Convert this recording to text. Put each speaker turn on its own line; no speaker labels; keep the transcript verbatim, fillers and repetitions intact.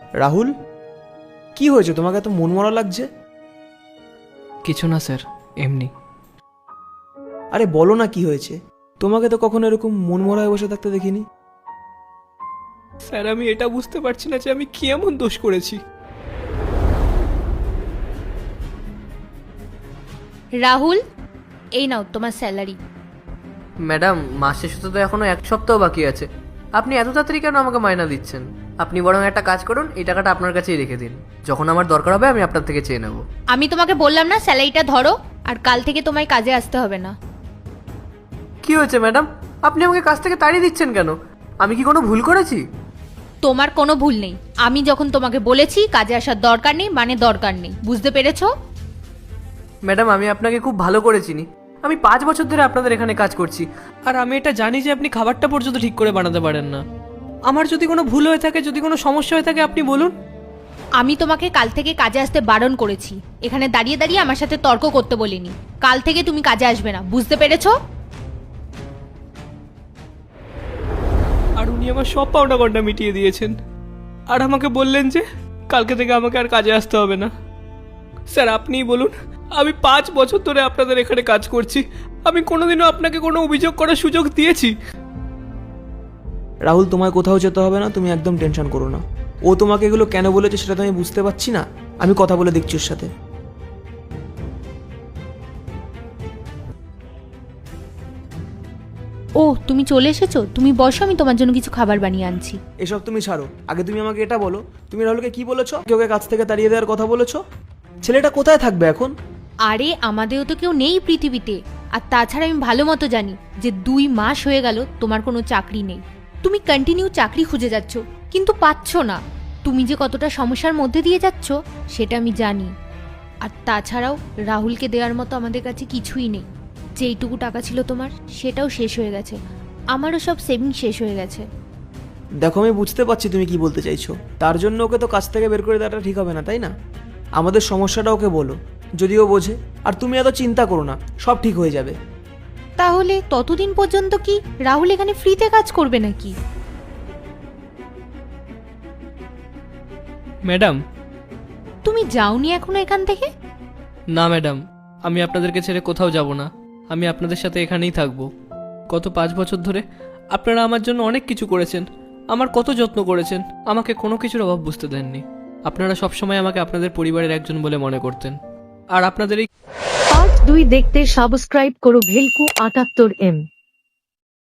রাহুল, কি হয়েছে? তোমাকে এত মনমরা লাগছে।
কিছু না স্যার, এমনি।
আরে বলো না কি হয়েছে? তোমাকে তো কখনো এরকম মনমরা হয়ে বসে থাকতে দেখিনি।
স্যার, আমি এটা বুঝতে পারছি না যে আমি কি এমন দোষ করেছি।
রাহুল, এই নাও তোমার স্যালারি।
ম্যাডাম, মাস শেষ হতে তো এখনো এক সপ্তাহ বাকি আছে। আপনি এত তাড়াতাড়ি কেন আমাকে মাইনা দিচ্ছেন? আপনি বরং একটা কাজ করুন, এই টাকাটা আপনার কাছেই রেখে দিন। যখন আমার দরকার হবে আমি আপনার থেকে চেয়ে নেব।
আমি তোমাকে বললাম না স্যালারিটা ধরো, আর কাল থেকে তোমায় কাজে আসতে হবে না।
কি হয়েছে ম্যাডাম? আপনি আমাকে কাজ থেকে তাড়িয়ে দিচ্ছেন কেন? আমি কি কোনো ভুল করেছি?
তোমার কোনো ভুল নেই। আমি যখন তোমাকে বলেছি কাজে আসার দরকার নেই মানে দরকার নেই, বুঝতে পেরেছো?
ম্যাডাম, আমি আপনাকে খুব ভালো করে চিনি। আমি পাঁচ বছর ধরে আপনাদের এখানে কাজ করছি।
আর আমি এটা জানি যে আপনি খাবারটা পর্যন্ত ঠিক করে বানাতে পারেন না। আমার যদি কোনো ভুল হয়ে থাকে, যদি কোনো সমস্যা হয়ে থাকে, আপনি বলুন।
আমি তোমাকে কাল থেকে কাজে আসতে বারণ করেছি, এখানে দাঁড়িয়ে দাঁড়িয়ে আমার সাথে তর্ক করতে বলিনি। কাল থেকে তুমি কাজে আসবে না, বুঝতে পেরেছো?
আর উনি আমার সব পাওনা গন্ডা মিটিয়ে দিয়েছেন। আর আমাকে বললেন যে কালকে থেকে আমাকে আর কাজে আসতে হবে না। স্যার, আপনিই বলুন, আমি পাঁচ বছর ধরে আপনাদের এখানে কাজ করছি, আমি কোনোদিনও আপনাকে কোনো অভিযোগ করার সুযোগ দিয়েছি?
রাহুল, তোমায় কোথাও যেতে হবে না, তুমি একদম টেনশন করো না। ও তোমাকে এগুলো কেন বলেছে সেটা তো আমি বুঝতে পারছি না। আমি কথা বলে দেখছি ওর সাথে।
ও, তুমি চলে এসেছো? তুমি বসো, আমি তোমার জন্য কিছু খাবার বানিয়ে আনছি।
এসব তুমি ছাড়ো, আগে তুমি আমাকে এটা বলো, তুমি রাহুলকে কি বলেছো? কেউ ওকে কাছ থেকে তাড়িয়ে দেওয়ার কথা বলেছো? ছেলেটা কোথায় থাকবে এখন?
আরে আমাদেরও তো কেউ নেই পৃথিবীতে। আর তাছাড়া আমি ভালো মতো জানি যে দুই মাস হয়ে গেল তোমার কোনো চাকরি নেই। তুমি কন্টিনিউ চাকরি খুঁজে যাচ্ছ, কিন্তু পাচ্ছ না। তুমি যে কতটা সমস্যার মধ্যে দিয়ে যাচ্ছ সেটা আমি জানি। আর তাছাড়াও রাহুলকে দেওয়ার মতো আমাদের কাছে কিছুই নেই। যেইটুকু টাকা ছিল তোমার সেটাও শেষ হয়ে গেছে, আমারও সব সেভিং শেষ হয়ে গেছে।
দেখো, আমি বুঝতে পারছি তুমি কি বলতে চাইছো। তার জন্য ওকে তো কাছ থেকে বের করে দেওয়াটা ঠিক হবে না, তাই না? আমাদের সমস্যাটা ওকে বলো, যদিও বোঝে। আর তুমি এত চিন্তা করো না, সব ঠিক হয়ে যাবে।
তাহলে ততদিন পর্যন্ত কি রাহুল এখানে ফ্রিতে কাজ করবে নাকি?
ম্যাডাম।
তুমি যাওনি এখনো এখান থেকে?
না ম্যাডাম, আমি আপনাদেরকে ছেড়ে কোথাও যাব না। আমি আপনাদের সাথে এখানেই থাকবো। গত পাঁচ বছর ধরে আপনারা আমার জন্য অনেক কিছু করেছেন, আমার কত যত্ন করেছেন, আমাকে কোনো কিছুর অভাব বুঝতে দেননি। আপনারা সবসময় আমাকে আপনাদের পরিবারের একজন বলে মনে করতেন। আর আপনাদের এই
পার্ট দুই দেখতে সাবস্ক্রাইব করো ভেলকু আটাত্তর এম।